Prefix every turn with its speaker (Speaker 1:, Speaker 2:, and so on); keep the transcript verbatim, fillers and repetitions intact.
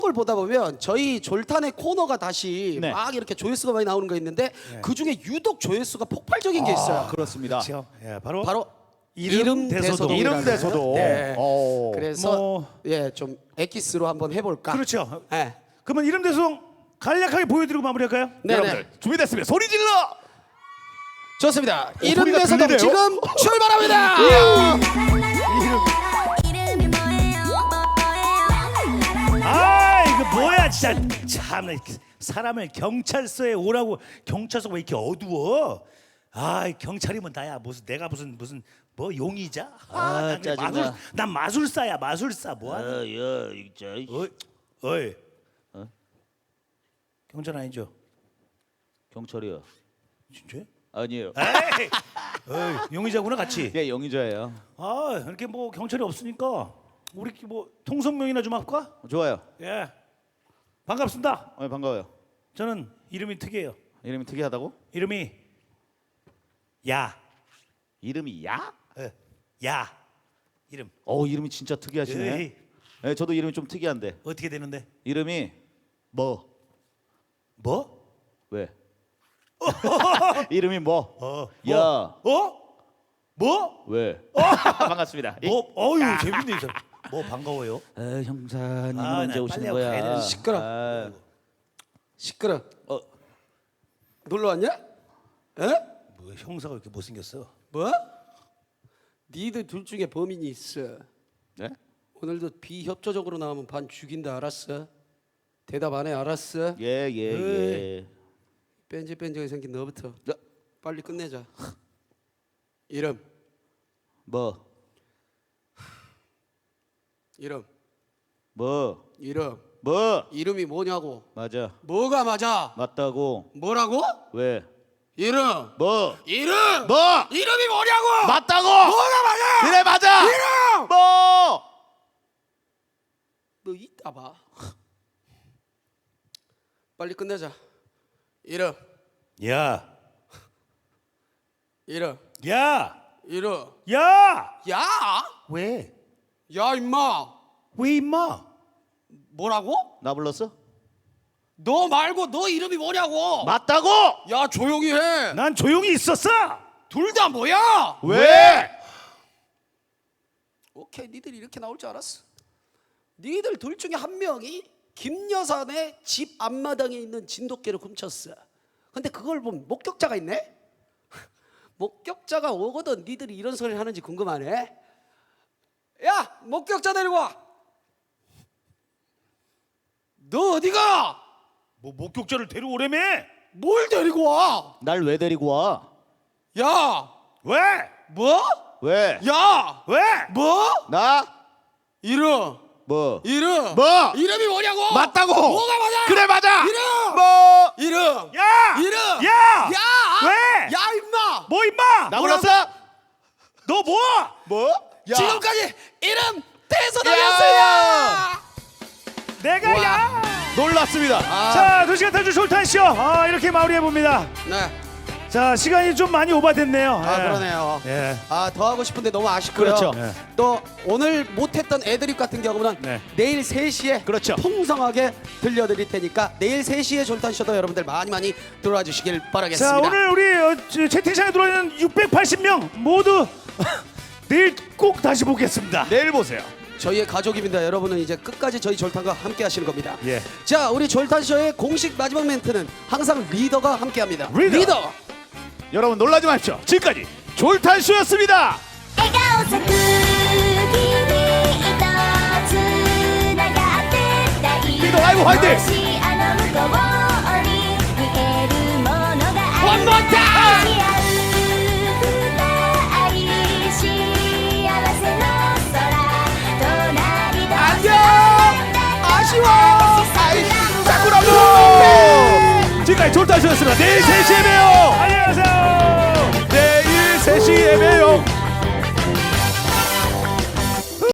Speaker 1: 걸 보다 보면 저희 졸탄의 코너가 다시
Speaker 2: 네.
Speaker 1: 막 이렇게 조회수가 많이 나오는 거 있는데
Speaker 3: 네.
Speaker 1: 그 중에 유독 조회수가 폭발적인 게 있어요.
Speaker 2: 그렇습니다.
Speaker 3: 그렇죠. 예, 바로
Speaker 1: 바로
Speaker 3: 이름 대소동.
Speaker 2: 이름 대소동.
Speaker 1: 네.
Speaker 2: 어.
Speaker 1: 그래서
Speaker 3: 뭐-
Speaker 1: 예, 좀 엑기스로 한번 해볼까.
Speaker 3: 그렇죠.
Speaker 1: 예.
Speaker 3: 그러면 이름 대소동 간략하게 보여드리고 마무리할까요?
Speaker 1: 네네.
Speaker 2: 여러분들 준비됐으면 소리 질러.
Speaker 1: 좋습니다.
Speaker 2: 오,
Speaker 1: 이름
Speaker 2: 소리가
Speaker 1: 대소동
Speaker 2: 들리네요.
Speaker 1: 지금 출발합니다.
Speaker 3: 아 이거 뭐야 진짜 참 사람을 경찰서에 오라고 경찰서가 왜 이렇게 어두워? 아 경찰이면 나야 무슨 내가 무슨 무슨 뭐 용의자?
Speaker 2: 아,
Speaker 3: 난 그냥
Speaker 2: 짜증나.
Speaker 3: 마술, 난 마술사야 마술사 뭐하는?
Speaker 2: 야, 진짜.
Speaker 3: 어이 어이 경찰 아니죠?
Speaker 2: 경찰이요.
Speaker 3: 진짜?
Speaker 2: 아니에요.
Speaker 3: 에이 어이, 용의자구나 같이.
Speaker 2: 예, 영의자예요.
Speaker 3: 아 이렇게 뭐 경찰이 없으니까 우리 뭐 통성명이나 좀 할까?
Speaker 2: 좋아요.
Speaker 3: 예 반갑습니다.
Speaker 2: 어, 반가워요.
Speaker 3: 저는 이름이 특이해요.
Speaker 2: 이름이 특이하다고?
Speaker 3: 이름이 야.
Speaker 2: 이름이 야?
Speaker 3: 예. 야. 이름
Speaker 2: 어, 이름이 진짜 특이하시네.
Speaker 3: 에이,
Speaker 2: 네, 저도 이름이 좀 특이한데.
Speaker 3: 어떻게 되는데?
Speaker 2: 이름이 뭐?
Speaker 3: 뭐?
Speaker 2: 왜? 이름이 뭐?
Speaker 3: 어.
Speaker 2: 야.
Speaker 3: 어? 뭐?
Speaker 2: 왜? 반갑습니다.
Speaker 3: 뭐? 어유 재밌네 이 사람. 뭐 반가워요.
Speaker 2: 아, 형사님은
Speaker 3: 아,
Speaker 2: 언제
Speaker 3: 나
Speaker 2: 오시는
Speaker 3: 빨리
Speaker 2: 거야?
Speaker 3: 가야 되는데.
Speaker 1: 시끄러.
Speaker 2: 아,
Speaker 1: 시끄러.
Speaker 2: 어,
Speaker 1: 놀러 왔냐? 에?
Speaker 3: 뭐 형사가 이렇게 못생겼어?
Speaker 1: 뭐? 니들 둘 중에 범인이 있어.
Speaker 2: 네?
Speaker 1: 오늘도 비협조적으로 나오면 반 죽인다 알았어? 대답 안 해 알았어?
Speaker 2: 예, 예, 예.
Speaker 1: 뺀질뺀질하게 생긴 너부터
Speaker 2: 야,
Speaker 1: 빨리 끝내자. 이름
Speaker 2: 뭐?
Speaker 1: 이름
Speaker 2: 뭐?
Speaker 1: 이름
Speaker 2: 뭐?
Speaker 1: 이름이 뭐냐고.
Speaker 2: 맞아.
Speaker 1: 뭐가 맞아?
Speaker 2: 맞다고.
Speaker 1: 뭐라고?
Speaker 2: 왜?
Speaker 1: 이름
Speaker 2: 뭐?
Speaker 1: 이름
Speaker 2: 뭐?
Speaker 1: 이름이 뭐냐고?
Speaker 2: 맞다고.
Speaker 1: 뭐가 맞아?
Speaker 2: 그래 맞아.
Speaker 1: 이름
Speaker 2: 뭐?
Speaker 1: 너 이따 봐. 빨리 끝내자. 이름
Speaker 3: 야.
Speaker 1: 이름
Speaker 3: 야.
Speaker 1: 이름
Speaker 3: 야.
Speaker 1: 야?
Speaker 3: 왜?
Speaker 1: 야 임마
Speaker 3: 왜 임마?
Speaker 1: 뭐라고?
Speaker 2: 나 불렀어?
Speaker 1: 너 말고 너 이름이 뭐냐고?
Speaker 2: 맞다고.
Speaker 1: 야 조용히 해.
Speaker 3: 난 조용히 있었어.
Speaker 1: 둘 다 뭐야?
Speaker 2: 왜?
Speaker 1: 오케이 니들이 이렇게 나올 줄 알았어. 니들 둘 중에 한 명이 김여산의 집 앞마당에 있는 진돗개를 훔쳤어. 근데 그걸 본 목격자가 있네? 목격자가 오거든 니들이 이런 소리를 하는지 궁금하네. 야 목격자 데리고 와. 너 어디가?
Speaker 3: 뭐 목격자를 데려오래매?
Speaker 1: 뭘 데리고 와?
Speaker 2: 날 왜 데리고 와?
Speaker 1: 야
Speaker 3: 왜?
Speaker 1: 뭐?
Speaker 2: 왜?
Speaker 3: 야! 왜?
Speaker 1: 뭐?
Speaker 2: 나?
Speaker 1: 이름
Speaker 2: 뭐?
Speaker 1: 이름
Speaker 2: 뭐?
Speaker 1: 이름이 뭐냐고?
Speaker 2: 맞다고.
Speaker 1: 뭐가 맞아?
Speaker 2: 그래 맞아.
Speaker 1: 이름
Speaker 2: 뭐?
Speaker 1: 이름
Speaker 3: 야!
Speaker 1: 이름
Speaker 3: 야!
Speaker 1: 야!
Speaker 3: 왜?
Speaker 1: 야 임마
Speaker 3: 뭐 임마?
Speaker 2: 나
Speaker 1: 뭐라고?
Speaker 2: 불렀어?
Speaker 3: 너 뭐?
Speaker 2: 뭐? 야.
Speaker 1: 지금까지 이름 대소동이었습니다.
Speaker 3: 내가
Speaker 1: 와.
Speaker 3: 야!
Speaker 2: 놀랐습니다.
Speaker 1: 아,
Speaker 3: 자, 두 시간 탈출 솔탄쇼. 아, 이렇게 마무리해 봅니다.
Speaker 1: 네.
Speaker 3: 자, 시간이 좀 많이 오바됐네요.
Speaker 1: 아
Speaker 3: 예.
Speaker 1: 그러네요.
Speaker 3: 예.
Speaker 1: 아 더 하고 싶은데 너무 아쉽고요.
Speaker 2: 그렇죠.
Speaker 3: 네.
Speaker 1: 또 오늘 못했던 애드립 같은 경우는
Speaker 3: 네.
Speaker 1: 내일 세 시에
Speaker 2: 그렇죠.
Speaker 1: 풍성하게 들려드릴 테니까 내일 세 시에 졸탄쇼도 여러분들 많이 많이 들어와 주시길 바라겠습니다.
Speaker 3: 자, 오늘 우리 어, 저, 채팅창에 들어와 있는 육백팔십 명 모두 내일 꼭 다시 보겠습니다.
Speaker 2: 내일 보세요.
Speaker 1: 저희의 가족입니다. 여러분은 이제 끝까지 저희 졸탄과 함께 하시는 겁니다.
Speaker 3: 예.
Speaker 1: 자, 우리 졸탄쇼의 공식 마지막 멘트는 항상 리더가 함께합니다.
Speaker 3: 리더.
Speaker 2: 여러분 놀라지 마십시오. 지금까지 졸탄쇼였습니다.
Speaker 4: 笑顔咲く君とつながってたい
Speaker 2: 리더 라이브 화이팅!
Speaker 4: もしあの向こうに見えるものがあ
Speaker 1: One
Speaker 4: る
Speaker 1: more time!
Speaker 4: 愛し合う二人幸せの空隣同士
Speaker 1: 안녕! 아쉬워!
Speaker 2: 사쿠라도! 지금까지 졸탄쇼였습니다. 내일 세 시에 봬요.
Speaker 3: 안녕.